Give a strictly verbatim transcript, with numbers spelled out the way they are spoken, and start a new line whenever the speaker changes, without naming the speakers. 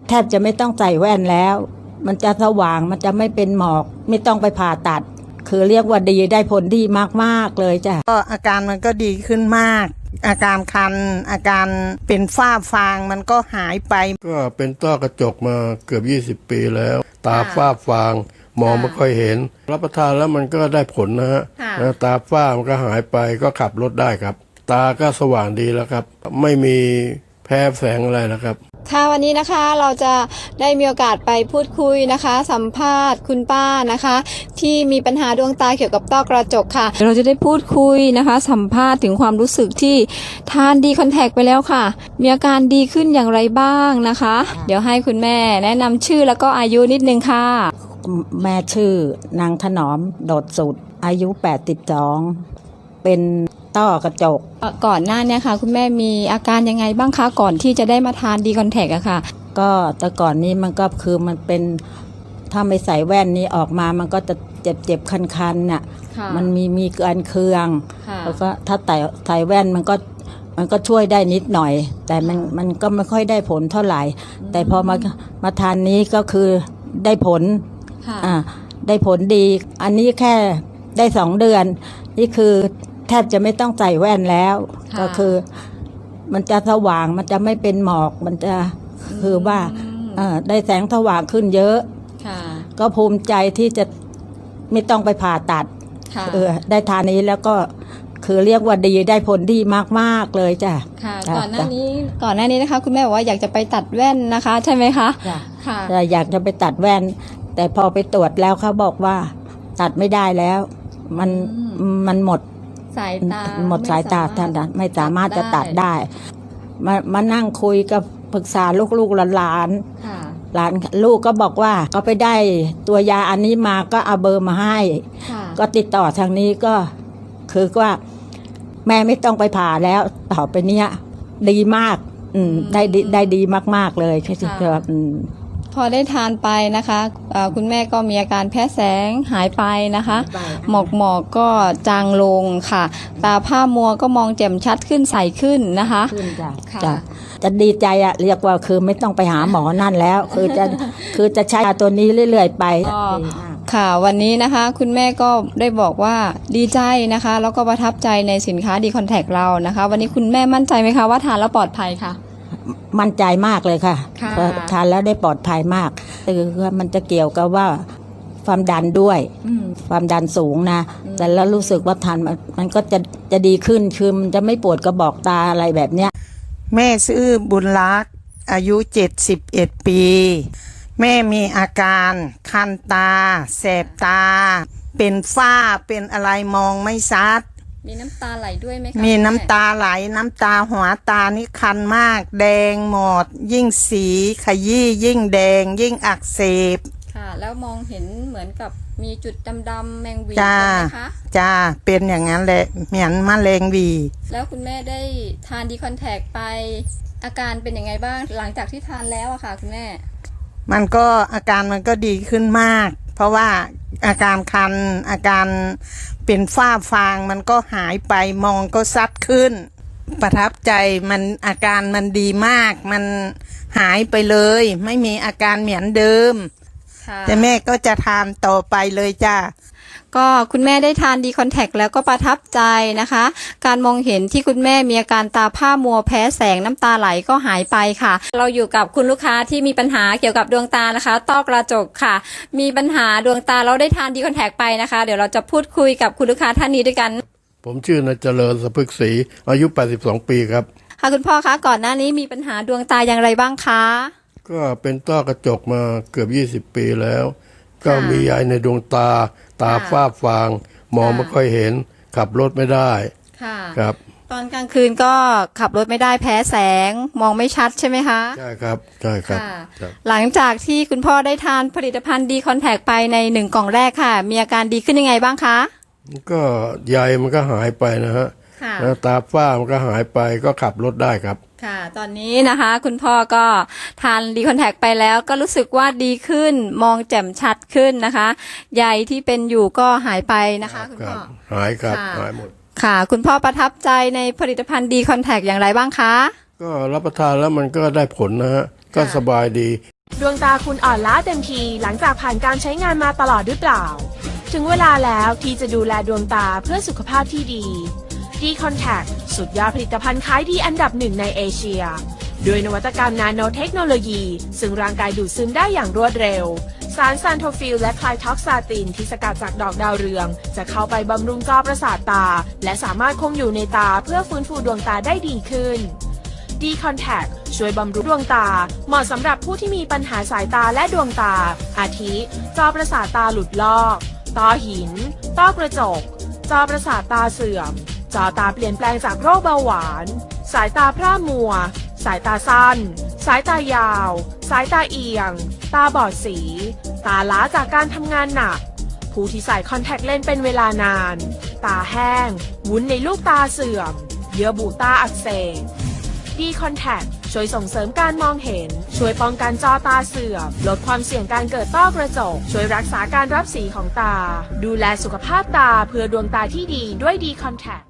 แทบจะไม่ต้องใส่แว่นแล้วมันจะสว่างมันจะไม่เป็นหมอกไม่ต้องไปผ่าตัดคือเรียกว่าดีได้ผลดีมากๆเลยจ้ะ
ก็อาการมันก็ดีขึ้นมากอาการคันอาการเป็นฝ้าฟางมันก็หายไป
ก็เป็นต้อกระจกมาเกือบยี่สิบปีแล้วตาฝ้าฟางมองไม่ค่อยเห็นรับประทานแล้วมันก็ได้ผลนะฮะตาฝ้ามันก็หายไปก็ขับรถได้ครับตาก็สว่างดีแล้วครับไม่มีแพ้แสงอะไรแล้วครับ
ค่ะวันนี้นะคะเราจะได้มีโอกาสไปพูดคุยนะคะสัมภาษณ์คุณป้านะคะที่มีปัญหาดวงตาเกี่ยวกับต้อกระจกค่ะเราจะได้พูดคุยนะคะสัมภาษณ์ถึงความรู้สึกที่ทานดีคอนแทคไปแล้วค่ะมีอาการดีขึ้นอย่างไรบ้างนะคะเดี๋ยวให้คุณแม่แนะนำชื่อแล้วก็อายุนิดนึงค่ะ
แม่ชื่อนางถนอมโดดสุดอายุแปดสิบสองเป็นต้อกระจก
ก่อนหน้านี้ค่ะคุณแม่มีอาการยังไงบ้างคะก่อนที่จะได้มาทานดีคอนแทคอะค่ะ
ก็แต่ก่อนนี้มันก็คือมันเป็นถ้าไม่ใส่แว่นนี้ออกมามันก็จะเจ็บเจ็บคันๆน่ะมันมีมีการเคืองแล้วก็ถ้าใส่ใส่แว่นมันก็มันก็ช่วยได้นิดหน่อยแต่มันมันก็ไม่ค่อยได้ผลเท่าไหร่แต่พอมามาทานนี้ก็คือได้ผลอ่าได้ผลดีอันนี้แค่ได้สองเดือนนี่คือแทบจะไม่ต้องใส่แว่นแล้วก็คือมันจะสว่างมันจะไม่เป็นหมอกมันจะคือว่าได้แสงสว่างขึ้นเยอะก็ภูมิใจที่จะไม่ต้องไปผ่าตัดเออได้ทานนี้แล้วก็คือเรียกว่าดีได้ผลดีมากๆเลยจ้ะ
ค่ะก่อนหน้านี้ก่อนหน้านี้นะคะคุณแม่บอกว่าอยากจะไปตัดแว่นนะคะใช่ไหมคะ
ค่ะอยากจะไปตัดแว่นแต่พอไปตรวจแล้วเขาบอกว่าตัดไม่ได้แล้วมันมันหมด
สายตา
หมดสายตาท่านไม่สามารถจะตัดได้มามานั่งคุยกับปรึกษาลูกๆหลานหลานลูกก็บอกว่าก็ไปได้ตัวยาอันนี้มาก็เอาเบอร์มาให้ก็ติดต่อทางนี้ก็คือว่าแม่ไม่ต้องไปผ่าแล้วต่อไปเนี้ยดีมากอืมได้ได้ดีมากๆเลยแค่ที่ว่า
พอได้ทานไปนะคะคุณแม่ก็มีอาการแพ้แสงหายไปนะคะหมอกหมอกก็จางลงค่ะตาผ้ามัวก็มองแจ่มชัดขึ้นใสขึ้นนะคะ
จ้ะจะดีใจอะเรียกว่าคือไม่ต้องไปหาหมอนั่นแล้วคือจะคือจะใช้ตัวนี้เรื่อยๆไป
ค่ะวันนี้นะคะคุณแม่ก็ได้บอกว่าดีใจนะคะแล้วก็ประทับใจในสินค้าดีคอนแทคเรานะคะวันนี้คุณแม่มั่นใจไหมคะว่าทานแล้วปลอดภัยค่ะ
มั่นใจมากเลยค่ะทานแล้วได้ปลอดภัยมากคือมันจะเกี่ยวกับว่าความดันด้วยความดันสูงนะแต่แล้วรู้สึกว่าทานมันก็จะจะดีขึ้นคือมันจะไม่ปวดกระบอกตาอะไรแบบเนี้ย
แม่ชื่อบุญรักษ์อายุเจ็ดสิบเอ็ดปีแม่มีอาการคันตาแสบตาเป็นฝ้าเป็นอะไรมองไม่ชัด
มีน้ำตาไหลด้วยไหมคะ
มีน้ำตาไหลน้ำตาหัวตานี่คันมากแดงหมดยิ่งสีขยี้ยิ่งแดงยิ่งอักเสบ
ค่ะแล้วมองเห็นเหมือนกับมีจุดดำๆแมงวีใช่ไหมคะ
จ้าเป็นอย่างนั้นแหละเหมือนมะเร็งวี
แล้วคุณแม่ได้ทานดีคอนแทคไปอาการเป็นยังไงบ้างหลังจากที่ทานแล้วอะค่ะคุณแม่
มันก็อาการมันก็ดีขึ้นมากเพราะว่าอาการคันอาการเป็นฝ้าฟางมันก็หายไปมองก็ซัดขึ้นประทับใจมันอาการมันดีมากมันหายไปเลยไม่มีอาการเหมือนเดิมแต่แม่ก็จะทานต่อไปเลยจ้า
ก็คุณแม่ได้ทานดีคอนแทคแล้วก็ประทับใจนะคะการมองเห็นที่คุณแม่มีอาการตาผ้ามัวแพ้แสงน้ำตาไหลก็หายไปค่ะเราอยู่กับคุณลูกค้าที่มีปัญหาเกี่ยวกับดวงตานะคะต้อกระจกค่ะมีปัญหาดวงตาเราได้ทานดีคอนแทคไปนะคะเดี๋ยวเราจะพูดคุยกับคุณลูกค้าท่านนี้ด้วยกัน
ผมชื่อนายเจริญสะพึกศรีอายุแปดสิบสองปีครับ
ค่ะคุณพ่อคะก่อนหน้านี้มีปัญหาดวงตาอย่างไรบ้างคะ
ก็เป็นต้อกระจกมาเกือบยี่สิบปีแล้วก็มีใยในดวงตาตาฝ้าฟางมองไม่ค่อยเห็นขับรถไม่ได้ครับ
ตอนกลางคืนก็ขับรถไม่ได้แพ้แสงมองไม่ชัดใช่ไหมคะ
ใช่ครับใช่ครับ
หลังจากที่คุณพ่อได้ทานผลิตภัณฑ์ดีคอนแทคไปในหนึ่งกล่องแรกค่ะมีอาการดีขึ้นยังไงบ้างคะ
ก็ใยมันก็หายไปนะฮะแล้วตาฝ้ามันก็หายไปก็ขับรถได้ครับ
ค่ะตอนนี้นะคะคุณพ่อก็ทานดีคอนแทคไปแล้วก็รู้สึกว่าดีขึ้นมองแจ่มชัดขึ้นนะคะใยที่เป็นอยู่ก็หายไปนะคะคุณพ่อ
หายครับหายหมด
ค่ะคุณพ่อประทับใจในผลิตภัณฑ์ดีคอนแทคอย่างไรบ้างคะ
ก็รับประทานแล้วมันก็ได้ผลนะฮะก็สบายดี
ดวงตาคุณอ่อนล้าเต็มทีหลังจากผ่านการใช้งานมาตลอดหรือเปล่าถึงเวลาแล้วที่จะดูแลดวงตาเพื่อสุขภาพที่ดี D-Contact สุดยอดผลิตภัณฑ์ขายดีอันดับหนึ่งในเอเชียด้วยนวัตกรรมนาโนเทคโนโลยีซึ่งร่างกายดูดซึมได้อย่างรวดเร็วสารซานโทฟิลและไคลท็อกซาตินที่สกัดจากดอกดาวเรืองจะเข้าไปบำรุงจอประสาทตาและสามารถคงอยู่ในตาเพื่อฟื้นฟูดวงตาได้ดีขึ้น D-Contact ช่วยบำรุงดวงตาเหมาะสำหรับผู้ที่มีปัญหาสายตาและดวงตาอาทิจอประสาทตาหลุดลอกต้อหินต้อกระจกจอประสาทตาเสื่อมจอตาเปลี่ยนแปลงจากโรคเบาหวานสายตาพร่ามัวสายตาสั้นสายตายาว สายตาเอียง ตาบอดสี ตาล้าจากการทำงานหนัก ผู้ที่ใส่คอนแทคเลนส์เป็นเวลานาน ตาแห้ง วุ้นในลูกตาเสื่อม เยื่อบุตาอักเสบ D-Contact ช่วยส่งเสริมการมองเห็น ช่วยป้องกันจอตาเสื่อม ลดความเสี่ยงการเกิดต้อกระจก ช่วยรักษาการรับสีของตา ดูแลสุขภาพตาเพื่อดวงตาที่ดีด้วย D-Contact